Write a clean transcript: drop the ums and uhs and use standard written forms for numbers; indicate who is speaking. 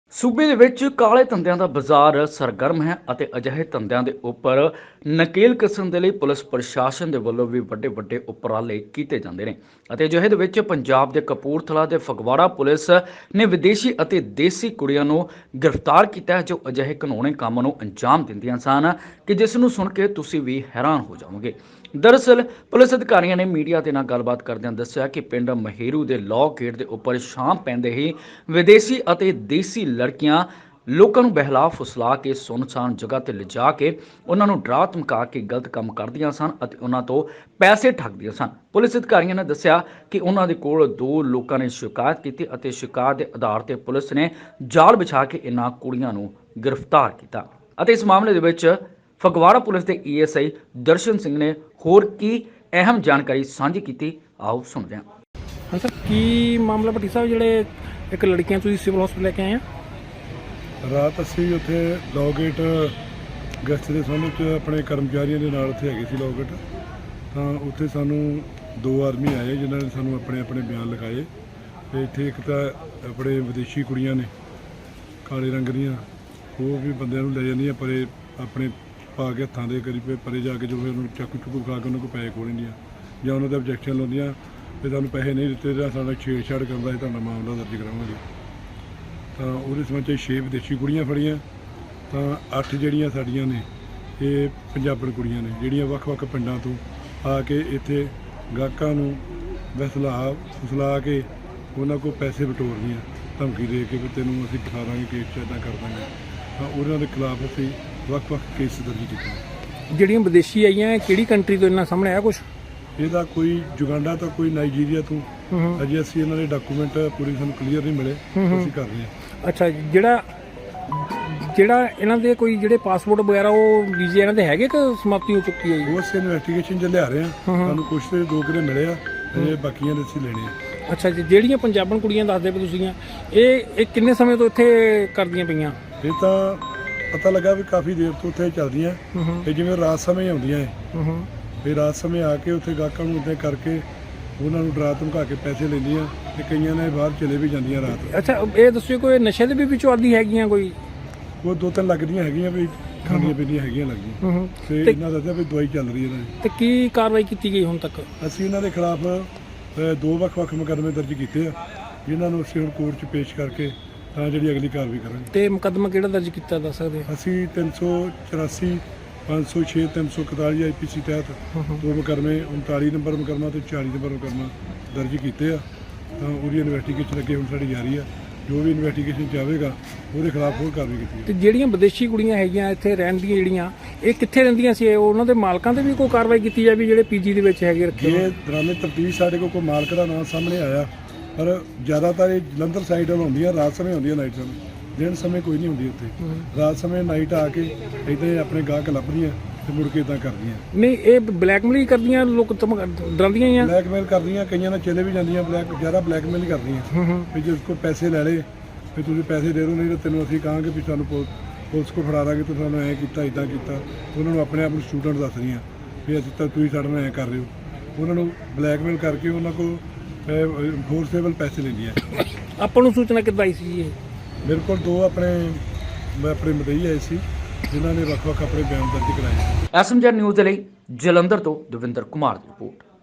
Speaker 1: ਸੂਬੇ ਦੇ ਵਿੱਚ ਕਾਲੇ ਧੰਦਿਆਂ ਦਾ ਬਾਜ਼ਾਰ ਸਰਗਰਮ ਹੈ ਅਤੇ ਅਜਿਹੇ ਧੰਦਿਆਂ ਦੇ ਉੱਪਰ ਨਕੇਲ ਕਸਣ ਦੇ ਲਈ ਪੁਲਿਸ ਪ੍ਰਸ਼ਾਸਨ ਦੇ ਵੱਲੋਂ ਵੀ ਵੱਡੇ ਵੱਡੇ ਉਪਰਾਲੇ ਕੀਤੇ ਜਾਂਦੇ ਨੇ ਅਤੇ ਅਜਿਹੇ ਦੇ ਵਿੱਚ ਪੰਜਾਬ ਦੇ ਕਪੂਰਥਲਾ ਦੇ ਫਗਵਾੜਾ ਪੁਲਿਸ ਨੇ ਵਿਦੇਸ਼ੀ ਅਤੇ ਦੇਸੀ ਕੁੜੀਆਂ ਨੂੰ ਗ੍ਰਿਫਤਾਰ ਕੀਤਾ ਹੈ ਜੋ ਅਜਿਹੇ ਕਾਨੂੰਨੀ ਕੰਮ ਨੂੰ ਅੰਜਾਮ ਦਿੰਦੀਆਂ ਸਨ ਕਿ ਜਿਸ ਨੂੰ ਸੁਣ ਕੇ ਤੁਸੀਂ ਵੀ ਹੈਰਾਨ ਹੋ ਜਾਓਗੇ। ਦਰਅਸਲ ਪੁਲਿਸ ਅਧਿਕਾਰੀਆਂ ਨੇ ਮੀਡੀਆ ਦੇ ਨਾਲ ਗੱਲਬਾਤ ਕਰਦਿਆਂ ਦੱਸਿਆ ਕਿ ਪਿੰਡ ਮਹੇਰੂ ਦੇ ਲੌ ਗੇਟ ਦੇ ਉੱਪਰ ਸ਼ਾਮ ਪੈਂਦੇ ਹੀ ਵਿਦੇਸ਼ੀ ਅਤੇ ਦੇਸੀ ਲੜਕੀਆਂ ਲੋਕਾਂ ਨੂੰ ਬਹਿਲਾ ਫੁਸਲਾ ਕੇ ਸੁੰਨਸਾਨ ਜਗ੍ਹਾ ਤੇ ਲਿਜਾ ਕੇ ਉਹਨਾਂ ਨੂੰ ਡਰਾ ਧਮਕਾ ਕੇ ਗਲਤ ਕੰਮ ਕਰਦੀਆਂ ਸਨ ਅਤੇ ਉਹਨਾਂ ਤੋਂ ਪੈਸੇ ਠੱਗਦੀਆਂ ਸਨ। ਪੁਲਿਸ ਅਧਿਕਾਰੀਆਂ ਨੇ ਦੱਸਿਆ ਕਿ ਉਹਨਾਂ ਦੇ ਕੋਲ ਦੋ ਲੋਕਾਂ ਨੇ ਸ਼ਿਕਾਇਤ ਕੀਤੀ ਅਤੇ ਸ਼ਿਕਾਇਤ ਦੇ ਆਧਾਰ ਤੇ ਪੁਲਿਸ ਨੇ ਜਾਲ ਵਿਛਾ ਕੇ ਇਹਨਾਂ ਕੁੜੀਆਂ ਨੂੰ ਗ੍ਰਿਫਤਾਰ ਕੀਤਾ ਅਤੇ ਇਸ ਮਾਮਲੇ ਦੇ ਵਿੱਚ ਫਗਵਾੜਾ ਪੁਲਿਸ ਦੇ ਈਐਸਆਈ ਦਰਸ਼ਨ ਸਿੰਘ ਨੇ ਹੋਰ ਕੀ ਅਹਿਮ ਜਾਣਕਾਰੀ ਸਾਂਝੀ ਕੀਤੀ, ਆਓ ਸੁਣਦੇ ਹਾਂ।
Speaker 2: ਹਾਂ ਸਰ, ਕੀ ਮਾਮਲਾ ਭੱਟੀ ਸਾਹਿਬ ਜਿਹੜੇ ਇੱਕ ਲੜਕੀਆਂ ਤੁਸੀਂ ਸਿਵਲ ਹਸਪਤਾਲ ਲੈ ਕੇ ਆਏ ਆ?
Speaker 3: ਰਾਤ ਅਸੀਂ ਉੱਥੇ ਲੌ ਗੇਟ ਗਸਤ ਦੇ ਸੰਬੰਧ 'ਚ ਆਪਣੇ ਕਰਮਚਾਰੀਆਂ ਦੇ ਨਾਲ ਉੱਥੇ ਹੈਗੇ ਸੀ ਲੌ ਗੇਟ, ਤਾਂ ਉੱਥੇ ਸਾਨੂੰ ਦੋ ਆਦਮੀ ਆਏ ਜਿਨ੍ਹਾਂ ਨੇ ਸਾਨੂੰ ਆਪਣੇ ਆਪਣੇ ਬਿਆਨ ਲਿਖਾਏ ਤੇ ਇੱਥੇ ਇੱਕ ਤਾਂ ਆਪਣੇ ਵਿਦੇਸ਼ੀ ਕੁੜੀਆਂ ਨੇ ਕਾਲੇ ਰੰਗ ਦੀਆਂ, ਉਹ ਵੀ ਬੰਦਿਆਂ ਨੂੰ ਲੈ ਜਾਂਦੀਆਂ ਪਰੇ ਆਪਣੇ ਪਾ ਕੇ ਹੱਥਾਂ ਦੇ ਕਰੀ ਪਰੇ ਜਾ ਕੇ ਜੋ ਫਿਰ ਉਹਨੂੰ ਚਾਕੂ ਚੁੱਕੂ ਖਾ ਕੇ ਉਹਨਾਂ ਕੋਲ ਪੈਸੇ ਖੋਹ ਜਾਂ ਉਹਨਾਂ ਦਾ ਆਬਜੈਕਸ਼ਨ ਲਾਉਂਦੀਆਂ ਵੀ ਤੁਹਾਨੂੰ ਪੈਸੇ ਨਹੀਂ ਦਿੱਤੇ ਜਾਂ ਸਾਡਾ ਛੇੜਛਾੜ ਕਰਦਾ ਤੁਹਾਡਾ ਮਾਮਲਾ ਦਰਜ ਕਰਾਵਾਂਗੇ। ਤਾਂ ਉਹਦੇ ਸੰਬੰਧ 'ਚ 6 ਵਿਦੇਸ਼ੀ ਕੁੜੀਆਂ ਫੜੀਆਂ, ਤਾਂ 8 ਜਿਹੜੀਆਂ ਸਾਡੀਆਂ ਨੇ ਇਹ ਪੰਜਾਬਣ ਕੁੜੀਆਂ ਨੇ ਜਿਹੜੀਆਂ ਵੱਖ-ਵੱਖ ਪਿੰਡਾਂ ਤੋਂ ਆ ਕੇ ਇੱਥੇ ਗਾਹਕਾਂ ਨੂੰ ਫੁਸਲਾ ਕੇ ਉਹਨਾਂ ਕੋਲ ਪੈਸੇ ਬਟੋਰਦੀਆਂ, ਧਮਕੀ ਦੇ ਕੇ ਵੀ ਤੈਨੂੰ ਅਸੀਂ ਦਿਖਾ ਦਾਂਗੇ ਕੇਸ 'ਚ ਇੱਦਾਂ ਕਰ ਦਾਂਗੇ। ਤਾਂ ਉਹਨਾਂ ਦੇ ਖਿਲਾਫ ਅਸੀਂ ਵੱਖ-ਵੱਖ ਕੇਸ ਦਰਜ ਕੀਤੇ।
Speaker 2: ਜਿਹੜੀਆਂ ਵਿਦੇਸ਼ੀ ਆਈਆਂ ਕਿਹੜੀ ਕੰਟਰੀ ਤੋਂ ਇਹਨਾਂ ਸਾਹਮਣੇ ਆਇਆ ਕੁਝ?
Speaker 3: ਇਹਦਾ ਕੋਈ ਜੁਗਾਂਡਾ ਤਾਂ ਕੋਈ ਨਾਈਜੀਰੀਆ ਤੋਂ, ਅਜੇ ਅਸੀਂ ਇਹਨਾਂ ਦੇ ਡਾਕੂਮੈਂਟ ਪੂਰੀ ਸਾਨੂੰ ਕਲੀਅਰ ਨਹੀਂ ਮਿਲੇ, ਅਸੀਂ ਕਰ ਰਹੇ ਹਾਂ।
Speaker 2: ਅੱਛਾ, ਜਿਹੜਾ ਇਹਨਾਂ ਦੇ ਕੋਈ ਜਿਹੜੇ ਪਾਸਪੋਰਟ ਵਗੈਰਾ ਉਹ ਵੀਜ਼ੇ ਇਹਨਾਂ ਦੇ ਹੈਗੇ ਕਿ ਸਮਾਪਤੀ ਹੋ ਚੁੱਕੀ ਹੈ ਜੀ?
Speaker 3: ਉਹ ਅਸੀਂ ਇਨਵੈਸਟੀਗੇਸ਼ਨ 'ਚ ਲਿਆ ਰਹੇ ਹਾਂ, ਸਾਨੂੰ ਕੁਛ ਤੇ ਦੋ ਕਿਲੇ ਮਿਲੇ ਆ, ਅਜੇ ਬਾਕੀਆਂ ਦੇ ਅਸੀਂ ਲੈਣੇ ਆ।
Speaker 2: ਅੱਛਾ ਜੀ, ਜਿਹੜੀਆਂ ਪੰਜਾਬਣ ਕੁੜੀਆਂ ਦੱਸਦੇ ਪਏ ਤੁਸੀਂ ਇਹ ਕਿੰਨੇ ਸਮੇਂ ਤੋਂ ਇੱਥੇ ਕਰਦੀਆਂ ਪਈਆਂ?
Speaker 3: ਇਹ ਤਾਂ ਪਤਾ ਲੱਗਾ ਵੀ ਕਾਫੀ ਦੇਰ ਤੋਂ ਉੱਥੇ ਚੱਲਦੀਆਂ ਤੇ ਜਿਵੇਂ ਰਾਤ ਸਮੇਂ ਆਉਂਦੀਆਂ ਹੈ, ਫਿਰ ਰਾਤ ਸਮੇਂ ਆ ਕੇ ਉੱਥੇ ਗਾਹਕਾਂ ਨੂੰ ਉੱਥੇ ਕਰਕੇ ਉਹਨਾਂ ਨੂੰ ਡਰਾ ਧਮਕਾ ਕੇ ਪੈਸੇ ਲੈਂਦੀਆਂ ਤੇ ਕਈਆਂ ਨੇ ਬਾਹਰ ਚਲੇ ਵੀ ਜਾਂਦੀਆਂ ਰਾਤ।
Speaker 2: ਅੱਛਾ, ਇਹ ਦੱਸਿਓ ਕੋਈ ਨਸ਼ੇ ਦੇ ਵੀ ਵਿੱਚੋਂ ਆਦੀ ਹੈਗੀਆਂ ਕੋਈ?
Speaker 3: ਉਹ ਦੋ ਤਿੰਨ ਲੱਗਦੀਆਂ ਹੈਗੀਆਂ ਵੀ ਖਾਣੀਆਂ ਪੀਣੀਆਂ ਹੈਗੀਆਂ ਲੱਗਦੀਆਂ ਤੇ ਇਹਨਾਂ ਦਾ ਵੀ ਦਵਾਈ ਚੱਲ ਰਹੀ ਇਹਨਾਂ ਦੀ।
Speaker 2: ਤੇ ਕੀ ਕਾਰਵਾਈ ਕੀਤੀ ਗਈ ਹੁਣ ਤੱਕ?
Speaker 3: ਅਸੀਂ ਇਹਨਾਂ ਦੇ ਖਿਲਾਫ ਦੋ ਵੱਖ-ਵੱਖ ਮੁਕੱਦਮੇ ਦਰਜ ਕੀਤੇ ਆ, ਜਿਨ੍ਹਾਂ ਨੂੰ ਅਸੀਂ ਹੁਣ ਕੋਰਟ 'ਚ ਪੇਸ਼ ਕਰਕੇ ਤਾਂ ਜਿਹੜੀ ਅਗਲੀ ਕਾਰਵਾਈ ਕਰਾਂਗੇ।
Speaker 2: ਤੇ ਮੁਕੱਦਮਾ ਕਿਹੜਾ ਦਰਜ ਕੀਤਾ ਦੱਸ ਸਕਦੇ?
Speaker 3: ਅਸੀਂ 384 506 341 ਆਈਪੀਸੀ ਤਹਿਤ ਦੋ ਮੁਕੱਦਮੇ 39 ਨੰਬਰ ਮੁਕੱਦਮਾ ਤੇ 40 ਨੰਬਰ ਮੁਕੱਦਮਾ ਦਰਜ ਕੀਤੇ ਆ, ਤਾਂ ਉਹਦੀ ਇਨਵੈਸਟੀਗੇਸ਼ਨ ਅੱਗੇ ਹੁਣ ਸਾਡੀ ਜਾਰੀ ਆ। ਜੋ ਵੀ ਇਨਵੈਸਟੀਗੇਸ਼ਨ ਚਾਹੇਗਾ ਉਹਦੇ ਖਿਲਾਫ ਹੋਰ ਕਾਰਵਾਈ ਕੀਤੀ।
Speaker 2: ਤੇ ਜਿਹੜੀਆਂ ਵਿਦੇਸ਼ੀ ਕੁੜੀਆਂ ਹੈਗੀਆਂ ਇੱਥੇ ਰਹਿਣ ਦੀਆਂ ਜਿਹੜੀਆਂ ਇਹ ਕਿੱਥੇ ਰਹਿੰਦੀਆਂ ਸੀ? ਉਹਨਾਂ ਦੇ ਮਾਲਕਾਂ ਤੇ ਵੀ ਕੋਈ ਕਾਰਵਾਈ ਕੀਤੀ ਜਾਵੇ ਜਿਹੜੇ ਪੀਜੀ ਦੇ ਵਿੱਚ ਹੈਗੇ ਰੱਖੇ?
Speaker 3: ਇਹ ਦੌਰਾਨੇ ਤਫਤੀਸ਼ ਸਾਡੇ ਕੋਲ ਕੋਈ ਮਾਲਕ ਦਾ ਨਾਮ ਸਾਹਮਣੇ ਆਇਆ, ਪਰ ਜ਼ਿਆਦਾਤਰ ਇਹ ਜਲੰਧਰ ਸਾਈਡ ਵੱਲ ਹੁੰਦੀਆਂ, ਰਾਤ ਸਮੇਂ ਹੁੰਦੀਆਂ, ਨਾਈਟ ਸਮੇਂ। ਦਿਨ ਸਮੇਂ ਕੋਈ ਨਹੀਂ ਹੁੰਦੀ ਉੱਥੇ, ਰਾਤ ਸਮੇਂ ਨਾਈਟ ਆ ਕੇ ਇੱਦਾਂ ਆਪਣੇ ਗਾਹਕ ਲੱਭਦੀਆਂ ਤੇ ਮੁੜ ਕੇ ਇੱਦਾਂ ਕਰਦੀਆਂ।
Speaker 2: ਨਹੀਂ, ਇਹ ਬਲੈਕਮੇਲ ਕਰਦੀਆਂ, ਲੋਕ ਡਰਾਉਂਦੀਆਂ ਹੀ ਆ?
Speaker 3: ਬਲੈਕਮੇਲ ਕਰਦੀਆਂ, ਕਈਆਂ ਨਾਲ ਚਲੇ ਵੀ ਜਾਂਦੀਆਂ, ਜ਼ਿਆਦਾ ਬਲੈਕਮੇਲ ਹੀ ਕਰਦੀਆਂ ਵੀ ਜੇ ਉਸ ਕੋਲ ਪੈਸੇ ਲੈ ਲਏ ਵੀ ਤੁਸੀਂ ਪੈਸੇ ਦੇ ਦਿਓ, ਨਹੀਂ ਤਾਂ ਤੈਨੂੰ ਅਸੀਂ ਕਹਾਂਗੇ ਵੀ ਸਾਨੂੰ ਪੁਲਿਸ ਕੋਲ ਫੜਾ ਦਾਂਗੇ, ਤੁਸੀਂ ਸਾਨੂੰ ਐਂ ਕੀਤਾ ਇੱਦਾਂ ਕੀਤਾ। ਉਹਨਾਂ ਨੂੰ ਆਪਣੇ ਆਪ ਨੂੰ ਸਟੂਡੈਂਟ ਦੱਸਦੀਆਂ ਵੀ ਅਸੀਂ ਤਾਂ ਤੁਸੀਂ ਸਾਡੇ ਨਾਲ ਐਂ ਕਰ ਰਹੇ ਹੋ, ਉਹਨਾਂ ਨੂੰ ਬਲੈਕਮੇਲ ਕਰਕੇ ਉਹਨਾਂ ਕੋਲ ਫੋਰਸੇਬਲ ਪੈਸੇ ਲੈਂਦੀਆਂ।
Speaker 2: ਆਪਾਂ ਨੂੰ ਸੂਚਨਾ ਕਿੱਦਾਂ ਆਈ ਸੀ ਇਹ?
Speaker 3: ਮੇਰੇ ਕੋਲ ਦੋ ਆਪਣੇ ਮਦਈ ਆਏ ਸੀ ਜਿਨ੍ਹਾਂ ਨੇ ਵੱਖ-ਵੱਖ ਆਪਣੇ ਬਿਆਨ ਦਰਜ ਕਰਾਏ।
Speaker 1: ਐਸਐਮਜੀ ਨਿਊਜ਼ ਦੇ ਲਈ ਜਲੰਧਰ ਤੋਂ ਦਵਿੰਦਰ ਕੁਮਾਰ ਦੀ ਰਿਪੋਰਟ।